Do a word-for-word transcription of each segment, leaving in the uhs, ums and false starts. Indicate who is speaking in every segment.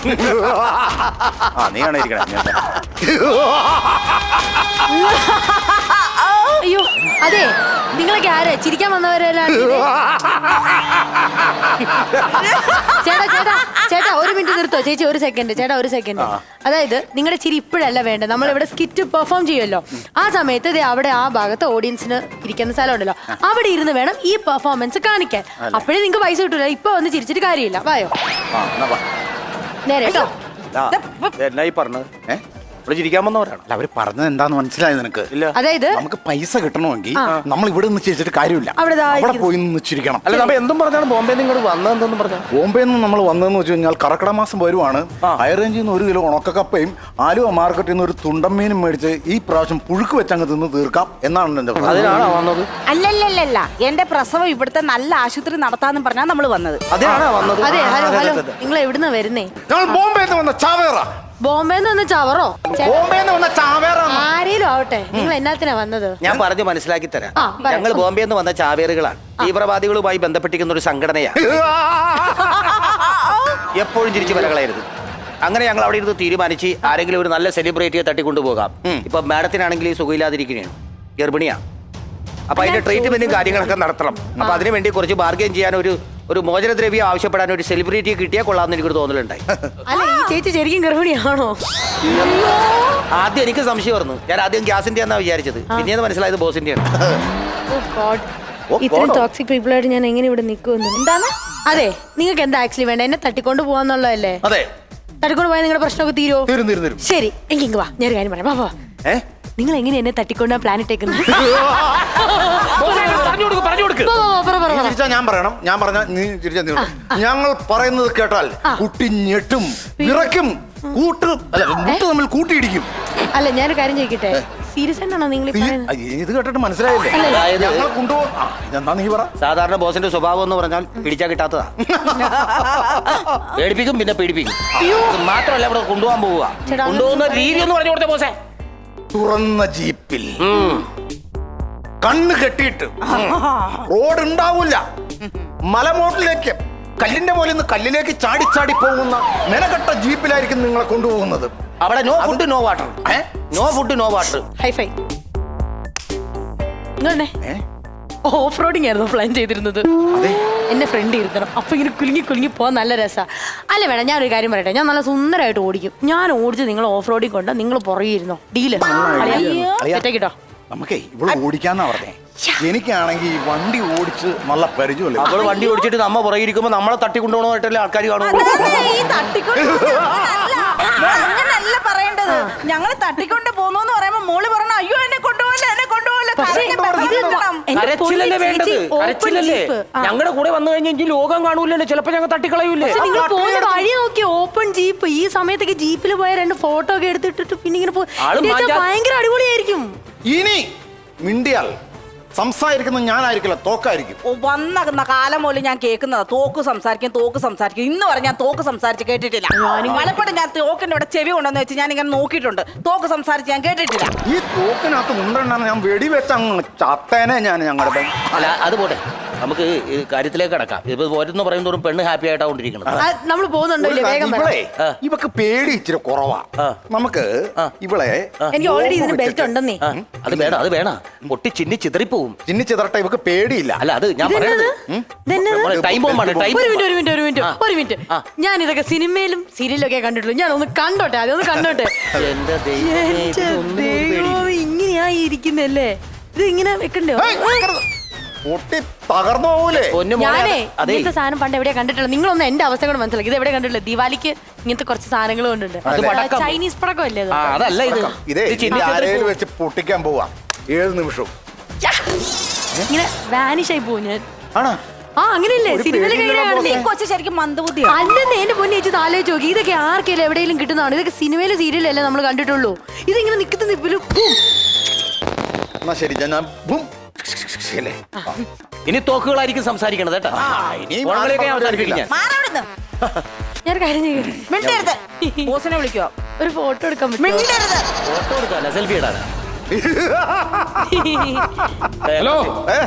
Speaker 1: ആ നീയാണ് ഇരിക്കണേ.
Speaker 2: അയ്യോ അതെ, നിങ്ങളൊക്കെ ആരെ ചിരിക്കാൻ വന്നവരെല്ലാം? ചേട്ടാ ചേട്ടാ ചേട്ടാ ഒരു മിനിറ്റ് നിർത്തോ ചേച്ചി, ഒരു സെക്കൻഡ് ചേട്ടാ, ഒരു സെക്കൻഡ്. അതായത് നിങ്ങളുടെ ചിരി ഇപ്പോഴല്ല വേണ്ടത്. നമ്മൾ ഇവിടെ സ്കിറ്റ് പെർഫോം ചെയ്യുമല്ലോ, ആ സമയത്ത് ദേ അവിടെ ആ ഭാഗത്ത് ഓഡിയൻസിന് ഇരിക്കുന്ന സ്ഥലം ഉണ്ടല്ലോ, അവിടെ ഇരുന്ന് വേണം ഈ പെർഫോമൻസ് കാണിക്കാൻ. അപ്പോഴേ നിങ്ങൾക്ക് പൈസ കിട്ടൂല. ഇപ്പൊ വന്ന് ചിരിച്ചിട്ട് കാര്യമില്ല. വായോ നേരെ കേട്ടോ.
Speaker 1: എന്നായി പറഞ്ഞത്? ഏഹ് ഇവിടെ ചിരിക്കാൻ വന്നവരാണ്. അല്ല അവര് പറഞ്ഞത് എന്താന്ന് മനസ്സിലായത് നിനക്ക്? ഇല്ല.
Speaker 2: അതായത്
Speaker 1: നമുക്ക് പൈസ കിട്ടണമെങ്കിൽ നമ്മൾ ഇവിടെ നിന്ന് ചിരിച്ചിട്ട് കാര്യമില്ല,
Speaker 2: അവിടെ
Speaker 1: പോയി നിന്ന് ചിരിക്കണം.
Speaker 3: അല്ല നമ്മ എന്തും പറഞ്ഞാണ് ബോംബെ നിങ്ങോട്ട് വന്നതെന്ന് പറഞ്ഞാൽ?
Speaker 1: ബോംബെ നിന്ന് നമ്മൾ വന്നതെന്ന് വെച്ച് കഴിഞ്ഞാൽ കർക്കിടക മാസം വരുവാണ്. ഹൈ റേഞ്ചിൽ നിന്ന് ഒരു കിലോ ഉണക്കക്കപ്പയും ആലുവ മാർക്കറ്റിൽ നിന്ന് ഒരു തുണ്ടമ്മീനും മേടിച്ച് ഈ പ്രാവശ്യം പുഴുക്ക് വെച്ചങ്ങ് തിന്ന് തീർക്കാം എന്നാണ് എന്റെ.
Speaker 3: അതിനാണോ വന്നത്?
Speaker 4: അല്ലല്ലല്ല, എന്റെ പ്രസവം ഇവിടുത്തെ നല്ല ആശുപത്രി നടത്താന്ന് പറഞ്ഞാ നമ്മള് വന്നത്.
Speaker 3: അതിനാണോ വന്നത്?
Speaker 2: അതെ. ഹലോ ഹലോ, നിങ്ങൾ എവിടുന്ന് വരുന്നേ?
Speaker 1: ഞങ്ങൾ ബോംബെ വന്ന ചാവേറ.
Speaker 2: ബോംബെന്ന് വന്ന ചവറോ?
Speaker 1: ബോംബെ വന്ന ചാവേറ.
Speaker 2: ആരേലും ആവട്ടെ, നിങ്ങൾ എന്നാത്തിനാ വന്നത്?
Speaker 3: ഞാൻ പറഞ്ഞു മനസ്സിലാക്കി തരാം. ഞങ്ങൾ ബോംബെ നിന്ന് വന്ന ചാവേറുകളാണ്. തീവ്രവാദികളുമായി ബന്ധപ്പെട്ടിരിക്കുന്ന ഒരു സംഘടനയാണ്. എപ്പോഴും ചിരിച്ചു വരകളായിരുന്നു. അങ്ങനെ ഞങ്ങൾ അവിടെ ഇരുന്ന് തീരുമാനിച്ച് ആരെങ്കിലും ഒരു നല്ല സെലിബ്രിറ്റിയെ തട്ടിക്കൊണ്ടുപോകാം. ഇപ്പൊ മാഡത്തിനാണെങ്കിൽ സുഖമില്ലാതിരിക്കുകയാണ്, ഗർഭിണിയാണ്. അപ്പൊ അതിന്റെ ട്രീറ്റ്മെന്റും കാര്യങ്ങളൊക്കെ നടത്തണം. അപ്പൊ അതിനുവേണ്ടി കുറച്ച് ബാർഗെയിൻ ചെയ്യാൻ ഒരു ഒരു മോചനദ്രവ്യം ആവശ്യപ്പെടാൻ ഒരു സെലിബ്രിറ്റിയെ കിട്ടിയാൽ കൊള്ളാമെന്ന് എനിക്കൊരു തോന്നലുണ്ടായി.
Speaker 2: അല്ല ഈ ചേച്ചി ശരിക്കും ഗർഭിണിയാണോ?
Speaker 3: ആദ്യം എനിക്ക് സംശയം പറഞ്ഞു. ഞാൻ ആദ്യം ഗ്യാസിന്റെ എന്നാ വിചാരിച്ചത്, പിന്നീട് മനസ്സിലായത് ബോസിന്റെയാണ്.
Speaker 2: ഇത്രയും ടോക്സിക് പീപ്പിൾ ആയിട്ട് ഞാൻ എങ്ങനെ ഇവിടെ നിൽക്കുമെന്ന്. എന്താണ്? അതെ, നിങ്ങൾക്ക് എന്താ ആക്ച്വലി വേണ്ട? എന്നെ തട്ടിക്കൊണ്ട് പോവാന്നുള്ളതല്ലേ?
Speaker 1: അതെ,
Speaker 2: തട്ടിക്കൊണ്ട് പോയാൽ നിങ്ങളുടെ പ്രശ്നമൊക്കെ തീരുമോ?
Speaker 1: തീരും തീരും തീരും.
Speaker 2: ശരി, എങ്കിൽ വാ, ഞാനൊരു കാര്യം പറയാം. വാ വാ.
Speaker 1: ഏഹ്
Speaker 2: നിങ്ങൾ എങ്ങനെ എന്നെ തട്ടിക്കൊണ്ടാ പ്ലാൻ ഇട്ടേക്കുന്നത്?
Speaker 1: ഞാൻ പറയണം, ഞാൻ പറഞ്ഞ നീ ചിരിച്ചാ നീ. ഞങ്ങൾ പറയുന്നത് കേട്ടാൽ കുട്ടി ഞെട്ടും, വിറയ്ക്കും, കൂട്ട് അല്ല മുട്ട് തമ്മിൽ കൂട്ടിയിടിക്കും.
Speaker 2: അല്ല ഞാനൊരു കാര്യം ചോദിക്കട്ടെ, സീരിയസ് ആണോ നിങ്ങൾ?
Speaker 1: ഇത് കേട്ടിട്ട് മനസ്സിലായില്ലേ? ഞങ്ങൾ കൊണ്ടുപോകും. ഇതെന്താ നീ പറ?
Speaker 3: സാധാരണ ബോസിന്റെ സ്വഭാവം എന്ന് പറഞ്ഞാൽ പിടിച്ചാ കിട്ടാത്തതാ. പേടിപ്പിക്കും പിന്നെ പീഡിപ്പിക്കും. മാത്രമല്ല ഇവിടെ കൊണ്ടുപോകാൻ പോവുക. കൊണ്ടുപോകുന്ന രീതി എന്ന് പറഞ്ഞു കൊടുത്ത ബോസേ.
Speaker 1: തുറന്ന ജീപ്പിൽ കണ്ണ് കെട്ടിയിട്ട് റോഡ് ഉണ്ടാവില്ല, മലമോട്ടിലേക്ക് കല്ലിന്റെ പോലെ നിന്ന് കല്ലിലേക്ക് ചാടി ചാടി പോകുന്ന മെനക്കെട്ട ജീപ്പിലായിരിക്കും നിങ്ങളെ കൊണ്ടുപോകുന്നത്.
Speaker 3: അവിടെ no food no water. No food no water.
Speaker 2: Hi fi. Off roading ആയിരുന്നു പ്ലാൻ ചെയ്തിരുന്നത്. എന്നെ ഫ്രണ്ട് ഇരുത്തണം, അപ്പൊ ഇങ്ങനെ കുലുങ്ങി കുലുങ്ങി പോകാൻ നല്ല രസാ. അല്ല വേണം, ഞാനൊരു കാര്യം പറയട്ടെ, ഞാൻ നല്ല സുന്ദരമായിട്ട് ഓടിക്കും. ഞാൻ ഓടിച്ച് നിങ്ങൾ ഓഫ് റോഡിൽ കൊണ്ട് നിങ്ങൾ പുറകിരുന്നോ. ഡീല് സെറ്റാക്കിട്ടോ.
Speaker 1: നമുക്കേ ഇവിടെ ഓടിക്കാന്നാ പറഞ്ഞേ. എനിക്കാണെങ്കിൽ വണ്ടി ഓടിച്ച് നല്ല പരിചയമല്ലേ.
Speaker 3: അവള് വണ്ടി ഓടിച്ചിട്ട് നമ്മ പുറകെ ഇരിക്കുമ്പോ നമ്മളെ തട്ടിക്കൊണ്ടുപോകണമായിട്ടല്ലേ ആൾക്കാർ കാണും.
Speaker 4: അങ്ങനല്ല പറയേണ്ടത്. ഞങ്ങള് തട്ടിക്കൊണ്ട് പോന്നോന്ന് പറയുമ്പോ മോള് പറഞ്ഞ അയ്യോ എന്നെ കൊണ്ടുപോകല എന്നെ കൊണ്ടുപോകല.
Speaker 3: കരച്ചിലല്ലേ വേണ്ടത്? കരച്ചിലല്ലേ? ഞങ്ങളുടെ കൂടെ വന്നു കഴിഞ്ഞെങ്കിൽ ലോകം കാണൂലല്ലോ, ചിലപ്പോ ഞങ്ങൾ തട്ടിക്കളയൂലേ.
Speaker 2: നിങ്ങൾ പോകുന്ന വഴി നോക്കി ഓപ്പൺ ജീപ്പ്. ഈ സമയത്തൊക്കെ ജീപ്പിൽ പോയ രണ്ട് ഫോട്ടോ ഒക്കെ എടുത്തിട്ടിട്ട് പിന്നെ ഇങ്ങനെ ഭയങ്കര അടിപൊളിയായിരിക്കും.
Speaker 1: ഇനി മിണ്ടിയാൽ സംസാരിക്കുന്നത് ഞാനായിരിക്കില്ല, തോക്കായിരിക്കും.
Speaker 4: വന്ന കാലം പോലും ഞാൻ കേൾക്കുന്നതാ തോക്ക് സംസാരിക്കും തോക്ക് സംസാരിക്കും. ഇന്ന് വരെ ഞാൻ തോക്ക് സംസാരിച്ച് കേട്ടിട്ടില്ല. പലപ്പോഴും ഞാൻ തോക്കിന്റെ ഇവിടെ ചെവി കൊണ്ടെന്ന് വെച്ച് ഞാൻ ഇങ്ങനെ നോക്കിയിട്ടുണ്ട്. തോക്ക് സംസാരിച്ച് ഞാൻ കേട്ടിട്ടില്ല.
Speaker 1: ഈ തോക്കിനകത്ത് മുണ്ടെണ്ണ ഞാൻ വെടിവെച്ച ചത്തേനെ ഞാൻ ഞങ്ങളുടെ.
Speaker 3: അല്ല അത് പോട്ടെ, നമുക്ക് കാര്യത്തിലേക്ക് കടക്കാം. ഇപ്പൊ പോരെന്ന് പറയുന്നതോറും പെണ്ണ് ഹാപ്പി ആയിട്ടാണ്ടിരിക്കണം.
Speaker 2: നമ്മൾ പോകുന്നുണ്ടോ?
Speaker 1: ഇവളെ ഇവക്ക് പേടി ഇച്ചിരി കുറവാ. നമുക്ക് ഇവളെ
Speaker 2: എനിക്ക് ഓൾറെഡി ഇതിന് ബെൽറ്റ് ഉണ്ടെന്നേ.
Speaker 3: അത് വേണം, അത് വേണം. പൊട്ടി ചിന്നി ചിതറിപ്പോവും.
Speaker 1: ചിന്നി ചിതറട്ടെ, ഇവക്ക് പേടിയില്ല.
Speaker 3: അല്ല അത് ഞാൻ പറയുന്നത് ടൈം ബോംബാണ്. ടൈം.
Speaker 2: ഒരു മിനിറ്റ് ഒരു മിനിറ്റ് ഒരു മിനിറ്റ് ഒരു മിനിറ്റ് ഞാൻ ഇതൊക്കെ സിനിമയിലും സീരിയലും ഒക്കെ കണ്ടിട്ടുള്ളൂ. ഞാൻ ഒന്ന് കണ്ടോട്ടെ, അതൊന്ന് കണ്ടോട്ടെ.
Speaker 3: എന്റെ ദൈവം,
Speaker 2: ഇങ്ങനെയാ ഇരിക്കുന്നല്ലേ? ഇത് ഇങ്ങനെ വെക്കണ്ടോ?
Speaker 1: പൊട്ടി തകർന്നു പോകൂലേ?
Speaker 2: ഞാനേ ഇങ്ങനത്തെ സാധനം പണ്ട് എവിടെയാ കണ്ടിട്ടുള്ളത്? നിങ്ങളൊന്ന് എന്റെ അവസ്ഥ കൂടെ മനസ്സിലാക്കി. ഇത് എവിടെ കണ്ടിട്ടുള്ളത്? ദിവാലിക്ക് ഇങ്ങനത്തെ കുറച്ച് സാധനങ്ങൾ കൊണ്ടുണ്ട്. ചൈനീസ് പടക്കം അല്ലേ?
Speaker 3: അതല്ല ഇത്.
Speaker 1: ഇതേ ആരേലും വെച്ച് പൊട്ടിക്കാൻ പോവാ ഏത് നിമിഷവും.
Speaker 2: ഇങ്ങനെ വാനിഷ് ആയി പോവും ഞാൻ.
Speaker 1: ആണോ?
Speaker 2: ആ അങ്ങനെയല്ലേ സിനിമയിലെ
Speaker 4: കൊച്ചു ശരിക്കും മന്ദബുദ്ധിയാണ്.
Speaker 2: അല്ലെന്ന് എന്റെ പൊന്നെ ചേച്ചി ആലോചിച്ച് നോക്കി. ഇതൊക്കെ ആർക്കെങ്കിലും എവിടെയെങ്കിലും കിട്ടുന്നതാണ്. ഇതൊക്കെ സിനിമയിലെ സീരിയലല്ലേ നമ്മൾ കണ്ടിട്ടുള്ളൂ. ഇതിങ്ങനെ നിൽക്കുന്ന നിപ്പിലും.
Speaker 1: എന്നാ ശരി, ഞാൻ
Speaker 3: ഇനി തോക്കുകളായിരിക്കും സംസാരിക്കണത് കേട്ടോ.
Speaker 2: ഞാൻ കാര്യം ചെയ്യും,
Speaker 4: ബോസിനെ വിളിക്കോ?
Speaker 2: ഒരു ഫോട്ടോ എടുക്കാൻ പറ്റും?
Speaker 3: ഫോട്ടോ എടുക്കാല്ല, സെൽഫി ഇടാനാ.
Speaker 1: ഹലോ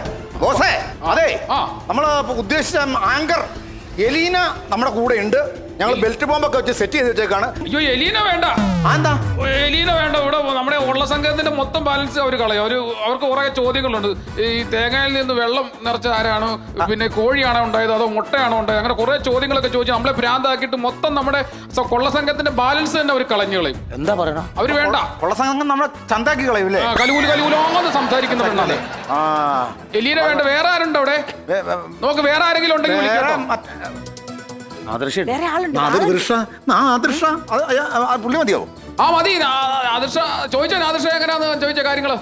Speaker 1: ബോസേ, അതെ നമ്മള് ഉദ്ദേശിച്ച ആങ്കർ എലീന നമ്മുടെ കൂടെ ഉണ്ട്. ഞങ്ങൾ ബെൽറ്റ് ബോംബൊക്കെ വെച്ച് സെറ്റ് ചെയ്ത് വെച്ചേക്കാണ്.
Speaker 5: അയ്യോ എലീന വേണ്ട,
Speaker 1: എന്താ
Speaker 5: എലീന വേണ്ട. ഇവിടെ നമ്മുടെ ഉള്ള സംഘത്തിന്റെ മൊത്തം ബാലൻസ് അവർ കളയും. അവര് അവർക്ക് കുറെ ചോദ്യങ്ങളുണ്ട്. ഈ തേങ്ങയിൽ നിന്ന് വെള്ളം നിറച്ച ആരാണ്, പിന്നെ കോഴിയാണോ ഉണ്ടായത് അതോ മുട്ടയാണോ ഉണ്ടായത്, അങ്ങനെ കുറെ ചോദ്യങ്ങളൊക്കെ ചോദിച്ചു നമ്മളെ ഭ്രാന്താക്കിയിട്ട് മൊത്തം നമ്മുടെ സ- കൊള്ള സംഘത്തിന്റെ ബാലൻസ് തന്നെ അവർ കളഞ്ഞു കളയും.
Speaker 3: എന്താ പറയണ?
Speaker 5: അവര് വേണ്ട.
Speaker 1: ഉള്ള സംഘം നമ്മളെ ചന്താക്കി കളയൂലേ?
Speaker 5: ആ, കലികൂലി കലികൂലോന്ന് സംസാരിക്കുന്ന പെണ്ണാണ്.
Speaker 1: ആ
Speaker 5: എലീന വേണ്ട. വേറെ ആരുണ്ട് അവിടെ?
Speaker 1: വേ- വേ-
Speaker 5: നോക്ക് വേറെ ആരെങ്കിലും ഉണ്ടെങ്കിൽ
Speaker 1: വേറെ
Speaker 5: വിളിക്കാം.
Speaker 1: മറ്റ്-
Speaker 3: ആദർശ
Speaker 4: വേറെ ആളുണ്ട്
Speaker 1: നാദൃഷ നാദൃഷ അത് അയ- ആ പുള്ളി മതിയാവും.
Speaker 5: ആ മതി. ആദർശ ചോദിച്ചാൽ ആദർശ എങ്ങനെയാന്ന് ചോദിച്ച കാര്യങ്ങള്.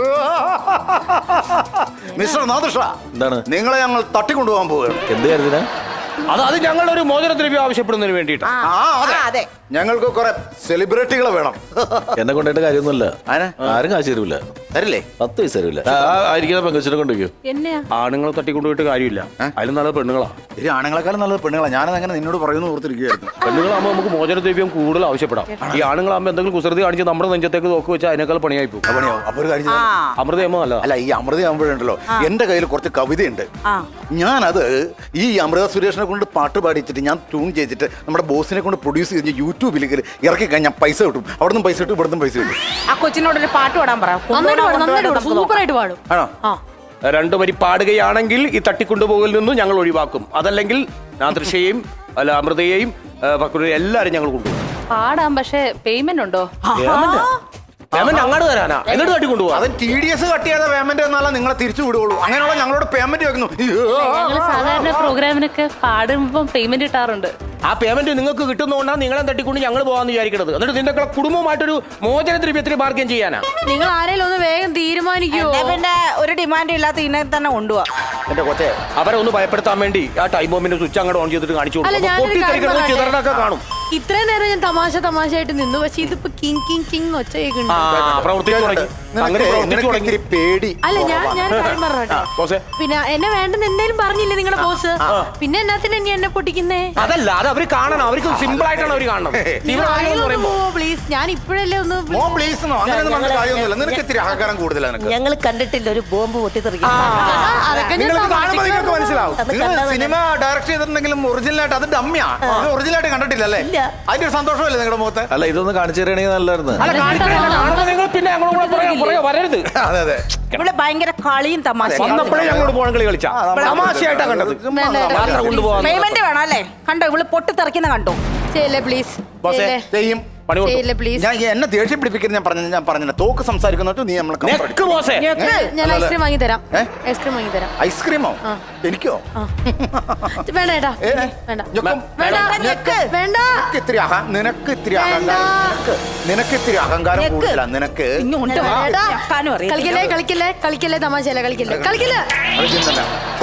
Speaker 1: മിസ്റ്റർ നാദൃഷ,
Speaker 6: എന്താണ്?
Speaker 1: നിങ്ങളെ ഞങ്ങൾ തട്ടിക്കൊണ്ടുപോകാൻ പോവുകയാണ്.
Speaker 6: എന്ത് കാര്യത്തിനാ?
Speaker 3: അത് അത് ഞങ്ങളുടെ ഒരു മോചനദ്രവ്യം ആവശ്യപ്പെടുന്നതിന് വേണ്ടിയിട്ട്.
Speaker 4: ആ,
Speaker 1: ആ, അതെ.
Speaker 4: ആ, അതെ
Speaker 1: ഞങ്ങൾക്ക് കുറെ സെലിബ്രിറ്റികളെ വേണം.
Speaker 6: എന്നെ കൊണ്ടായിട്ട് കാര്യമൊന്നുമില്ല.
Speaker 1: ആരെ?
Speaker 6: ആരും കാശ് തരൂല,
Speaker 1: തരില്ലേ?
Speaker 6: പത്ത് പൈസ തരൂല. ആ, ആ, ആയിരിക്കുന്ന പെങ്കൊച്ചിനെ കൊണ്ടുവയ്ക്കോ.
Speaker 2: എന്നെയാ
Speaker 3: ആണുങ്ങളെ തട്ടിക്കൊണ്ടുപോയിട്ട് കാര്യമില്ല. അതിലും നല്ല പെണ്ണുങ്ങളാ.
Speaker 1: ഒരു ആണുങ്ങളെക്കാളും നല്ലത് പെണ്ണുങ്ങളാണ്. ഞാനത് അങ്ങനെ നിന്നോട് പറയുന്നു ഓർത്തിരിക്കുകയായിരുന്നു.
Speaker 3: പെണ്ണുങ്ങളാകുമ്പോൾ നമുക്ക് മോചനദ്രവ്യം കൂടുതൽ ആവശ്യപ്പെടാം. ഈ ആണുങ്ങളാകുമ്പോൾ എന്തെങ്കിലും കുസൃതി കാണിച്ച് നമ്മുടെ നെഞ്ചത്തേക്ക് നോക്കി വെച്ചാൽ അതിനേക്കാൾ പണിയായി പോകും.
Speaker 1: പണിയാവും. അപ്പൊ ഒരു കാര്യം
Speaker 4: ആ
Speaker 1: ചെയ്താൽ-
Speaker 3: അമൃതയമ്മ നല്ലതാ.
Speaker 1: അല്ല, ഈ അമൃത ആകുമ്പോഴുണ്ടല്ലോ എന്റെ കയ്യിൽ കുറച്ച് കവിതയുണ്ട്.
Speaker 4: ആ
Speaker 1: ഞാനത് ഈ അമൃത സുരേഷിനെ കൊണ്ട് പാട്ട് പാടിച്ചിട്ട് ഞാൻ ട്യൂൺ ചെയ്തിട്ട് നമ്മുടെ ബോസിനെ കൊണ്ട് പ്രൊഡ്യൂസ് ചെയ്ത് യൂട്യൂബിലേക്ക് ഇറക്കി കഴിഞ്ഞാൽ പൈസ കിട്ടും. അവിടെ നിന്ന് പൈസ കിട്ടും, ഇവിടെ നിന്നും പൈസ കിട്ടും.
Speaker 4: ആ കൊച്ചിനോട് ഒരു പാട്ട് പാടാൻ പറ.
Speaker 2: നന്നായിട്ട് പാടും, നന്നായിട്ട് പാടും, സൂപ്പറായിട്ട് പാടും.
Speaker 1: ആണോ?
Speaker 2: ആ
Speaker 3: രണ്ടു വരി പാടുകയാണെങ്കിൽ ഈ തട്ടിക്കൊണ്ടുപോകലിൽ നിന്നും ഞങ്ങൾ ഒഴിവാക്കും. അതല്ലെങ്കിൽ നാദൃശയെയും അല്ല അമൃതയെയും പക്രുവിനെയും എല്ലാവരും ഞങ്ങൾ കൊണ്ടുപോകും.
Speaker 7: പാടാം, പക്ഷെ പേയ്മെന്റ് ഉണ്ടോ?
Speaker 3: പേയ്മെന്റ് അങ്ങോട്ട് തരാനാ, എന്നിട്ട് തട്ടിക്കൊണ്ടുപോകാം.
Speaker 1: അത് ടി ഡി എസ് കട്ട് ചെയ്ത പേയ്മെന്റ് എന്നാലും നിങ്ങളെ തിരിച്ചു വിടുകയുള്ളൂ. അങ്ങനെയുള്ള ഞങ്ങളോട് പേയ്മെന്റ് വെക്കുന്നു.
Speaker 7: ഞങ്ങൾ സാധാരണ പ്രോഗ്രാമിനൊക്കെ പാടുമ്പോ പേയ്മെന്റ് കിട്ടാറുണ്ട്.
Speaker 3: ആ പേയ്മെന്റ് നിങ്ങൾക്ക് കിട്ടുന്നതുകൊണ്ടാണ് നിങ്ങളെ തട്ടിക്കൊണ്ട് ഞങ്ങൾ പോകാന്ന് വിചാരിക്കുന്നത്. എന്നിട്ട് നിന്റെ കുടുംബമായിട്ടൊരു മോചനദ്രവ്യത്തിന് ബാർഗൻ ചെയ്യാനാ.
Speaker 2: നിങ്ങൾ ആരെങ്കിലും ഒന്ന് വേഗം തീരുമാനിക്കുവോ?
Speaker 4: എന്നാ പിന്നെ ഒരു ഡിമാൻഡ് ഇല്ലാത്ത ഇതിനെ തന്നെ കൊണ്ടുപോവാ.
Speaker 3: എന്റെ കൊച്ചെ, അവരെ ഒന്ന് ഭയപ്പെടുത്താൻ വേണ്ടി ആ ടൈം ബോംബിന്റെ സ്വിച്ച് അങ്ങോട്ട് ഓൺ ചെയ്തിട്ട് കാണിച്ചു
Speaker 2: അല്ല,
Speaker 3: കൊടുക്കും.
Speaker 2: ഞാനൊരു കാര്യം
Speaker 3: പൊട്ടിത്തെറിക്കുന്നത്
Speaker 2: പറയട്ടെ?
Speaker 3: ചിതറടൊക്കെ കാണും.
Speaker 2: ഇത്രയും നേരം ഞാൻ തമാശ തമാശയായിട്ട് നിന്നു, പക്ഷെ ഇതിപ്പോ കിങ് കിങ് കിങ് ഒച്ച
Speaker 3: ആ
Speaker 2: കേൾക്കുന്നുണ്ട്.
Speaker 3: പ്രവർത്തിച്ചു തുടങ്ങി. അങ്ങനെ പ്രവർത്തിച്ചു തുടങ്ങി.
Speaker 1: നിനക്ക് പേടി.
Speaker 2: അല്ല, ഞാൻ ഞാൻ ഒരു കാര്യം പറഞ്ഞോട്ടെ.
Speaker 3: ബോസേ,
Speaker 2: പിന്നെ എന്നെ വേണ്ടെന്ന് എന്തായാലും പറഞ്ഞില്ലേ നിങ്ങളുടെ ബോസ്? പിന്നെ എന്നാത്തിന് ഇനി എന്നെ പൊട്ടിക്കുന്നേ?
Speaker 3: അതല്ല, അത് അവര് കാണണം. അവർക്ക് സിമ്പിൾ ആയിട്ടാണ് അവർ കാണണം. തീവ്രവാദികൾ എന്ന് പറയുമ്പോ
Speaker 2: പ്ലീസ്, ഞാൻ ഇപ്പോഴല്ലേ ഒന്ന്
Speaker 1: മോ പ്ലീസ് എന്നോ അങ്ങനെയൊന്നും പറഞ്ഞ കാര്യമൊന്നുമില്ല. നിനക്ക് ഇത്തിരി അഹങ്കാരം കൂടുതലാണ്. നിനക്ക്
Speaker 8: ഞങ്ങൾ കണ്ടിട്ടില്ല ഒരു ബോംബ് പൊട്ടിത്തെറിക്കും.
Speaker 2: അതൊക്കെ ഞാൻ
Speaker 1: നിങ്ങൾക്ക് കാണുമ്പോൾ നിങ്ങൾക്ക്
Speaker 2: തമാശക്ക്
Speaker 1: മനസ്സിലാവും.
Speaker 8: അത്
Speaker 1: നിങ്ങൾ
Speaker 8: കണ്ടാ
Speaker 1: സിനിമ ഡയറക്ട് ചെയ്തിട്ടുണ്ടെങ്കിലും ഒറിജിനലായിട്ട് അത് ഡമ്മിയാ. ഒറിജിനലായിട്ട് കണ്ടിട്ടില്ലല്ലേ?
Speaker 8: ഇല്ല.
Speaker 1: അതിന്റെ ഒരു സന്തോഷമല്ലേ നിങ്ങളുടെ മുഖത്ത്?
Speaker 6: അല്ല, ഇതൊന്ന് കാണിച്ചു തരികയാണെങ്കിൽ നല്ലായിരുന്നു.
Speaker 3: അല്ല, കാണിക്കണില്ല. കാണുമ്പോൾ നിങ്ങൾ പിന്നെ ഞങ്ങളോട് കൂടെ പറയാൻ പറയാ വരരുത്.
Speaker 1: അതെ അതെ.
Speaker 4: ഇവിടെ ഭയങ്കര കളിയും തമാശയും.
Speaker 3: വന്നപ്പോഴേ ഞങ്ങളോട് പോകാൻ കളി കളിച്ചാ തമാശയായിട്ടാ കണ്ടത്. യാത്ര കൊണ്ടുപോകാൻ
Speaker 4: പേയ്മെന്റ് വേണം അല്ലേ? കണ്ടോ ഇവള് പൊട്ടിത്തെറിക്കുന്ന കണ്ടോ?
Speaker 2: ചെയ്യല്ലേ പ്ലീസ്,
Speaker 3: ബോസേ,
Speaker 1: ചെയ്യും.
Speaker 3: പണി കൊടുക്കും.
Speaker 2: ചെയ്യല്ലേ പ്ലീസ്.
Speaker 1: ഞാൻ എന്നെ ദേഷ്യം പിടിപ്പിക്കുന്നത് ഞാൻ പറഞ്ഞു ഞാൻ പറഞ്ഞില്ല. തോക്ക് സംസാരിക്കുന്നോട്ട് നീ നമ്മളെ comfort
Speaker 3: നെക്ക് ബോസേ.
Speaker 2: ഞാൻ ഐസ്ക്രീം വാങ്ങി തരാം.
Speaker 1: ഏ?
Speaker 2: ഐസ്ക്രീം വാങ്ങി തരാം.
Speaker 1: ഐസ്ക്രീമോ? എനിക്കോ?
Speaker 2: വേണ്ട ഏട്ടാ,
Speaker 1: ഏ?
Speaker 2: വേണ്ട
Speaker 1: ഞെക്കും.
Speaker 2: വേണ്ട
Speaker 1: ഞെക്ക്.
Speaker 2: വേണ്ട.
Speaker 1: നിനക്ക് ഇത്തിരി അഹ- നിനക്ക് ഇത്തിരി
Speaker 2: വേണ്ട.
Speaker 1: അഹങ്കാരം നിനക്ക് നിനക്ക് ഇത്തിരി അഹങ്കാരം
Speaker 4: ഞെക്ക്.
Speaker 1: കൂടുതലാണ് നിനക്ക്.
Speaker 4: ഇങ്ങോട്ട് വാ.
Speaker 2: ഏട്ടാ,
Speaker 4: ഞെക്കാനും അറിയത്തില്ല.
Speaker 2: കളിക്കല്ലേ കളിക്കല്ലേ കളിക്കല്ലേ തമാശയല്ല, കളിക്കല്ലേ കളിക്കല്ലേ.
Speaker 1: അത് ചിന്തല്ല.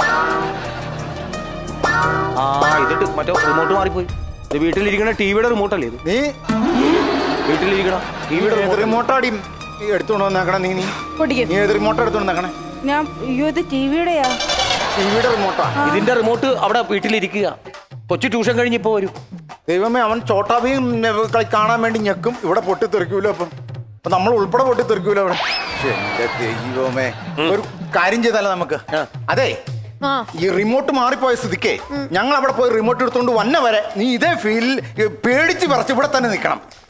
Speaker 3: ആ ഇതിട്ട് മറ്റേ റിമോട്ട് മാറിപ്പോയി. ഇത് വീട്ടിലിരിക്കണ ടിവിയുടെ റിമോട്ടല്ലേ ഇത്?
Speaker 1: നീ
Speaker 3: വീട്ടിലിരിക്കണ ടിവിയുടെ
Speaker 1: ഏത് റിമോട്ടാടി എടുത്തോണ്ട് വന്നേക്കണേ? നീ നീ
Speaker 2: പൊട്ടിക്കും.
Speaker 1: നീ ഏത് റിമോട്ട് എടുത്തോണ്ട് വന്നേക്കണേ?
Speaker 4: ഞാൻ അയ്യോ ഇത് ടിവിയുടെയാ.
Speaker 1: ടിവിയുടെ റിമോട്ടാ.
Speaker 3: ഇതിന്റെ റിമോട്ട് അവിടെ വീട്ടിലിരിക്കുക. കൊച്ചു ട്യൂഷൻ കഴിഞ്ഞ് ഇപ്പൊ വരും.
Speaker 1: ദൈവമേ, അവൻ ചോട്ടാബിയും കളി കാണാൻ വേണ്ടി ഞെക്കും. ഇവിടെ പൊട്ടിത്തെറിക്കൂലോ? അപ്പം അപ്പൊ നമ്മൾ ഉൾപ്പെടെ പൊട്ടിത്തെറിക്കൂലോ അവിടെ? ശ്ശെ, എന്റെ ദൈവമേ. ഒരു കാര്യം ചെയ്താലോ നമുക്ക്? അതെ,
Speaker 2: ആ
Speaker 1: ഈ റിമോട്ട് മാറിപ്പോയ സ്ഥിതിക്കേ ഞങ്ങൾ അവിടെ പോയി റിമോട്ട് എടുത്തോണ്ട് വന്ന വരെ നീ ഇതേ ഫീലിൽ പേടിച്ച് വിറച്ച് ഇവിടെ തന്നെ നിൽക്കണം.